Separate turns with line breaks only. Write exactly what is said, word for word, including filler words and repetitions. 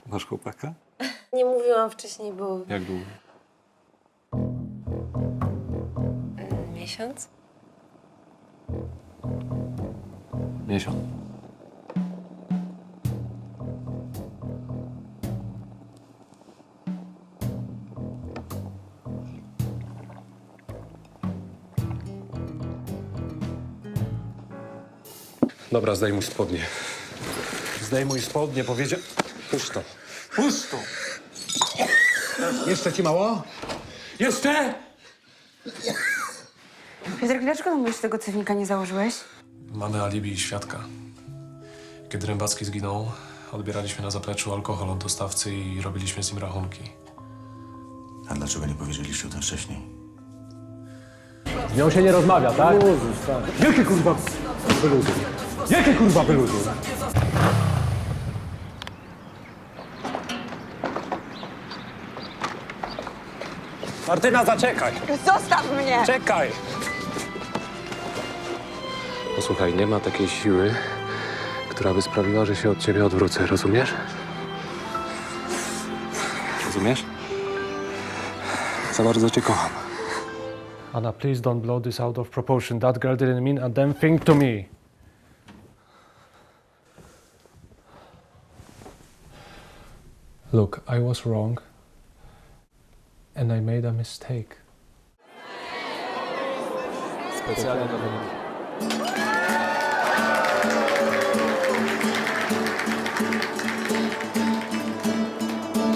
Masz chłopaka?
Nie mówiłam wcześniej, bo...
Jak długo?
Mm, Miesiąc?
Miesiąc.
Dobra, zdejmuj spodnie. Zdejmuj spodnie, powiedział... Puść to. Puść to!
Jeszcze ci mało?
Jeszcze?
Piotrek, dlaczego nam jeszcze tego cewnika nie założyłeś?
Mamy alibi i świadka. Kiedy Rębacki zginął, odbieraliśmy na zapleczu alkohol od dostawcy i robiliśmy z nim rachunki.
A dlaczego nie powiedzieliście o tym wcześniej?
Z nią się nie rozmawia, tak? Jakie kurwa wyluzy? Jakie kurwa wyluzy? Martyna, zaczekaj!
Zostaw mnie!
Czekaj!
Posłuchaj, nie ma takiej siły, która by sprawiła, że się od ciebie odwrócę, rozumiesz?
Rozumiesz?
Za bardzo cię kocham.
Anna, please don't blow this out of proportion. That girl didn't mean a damn thing to me. Look, I was wrong. And I made a mistake.
Specjalnie do mnie.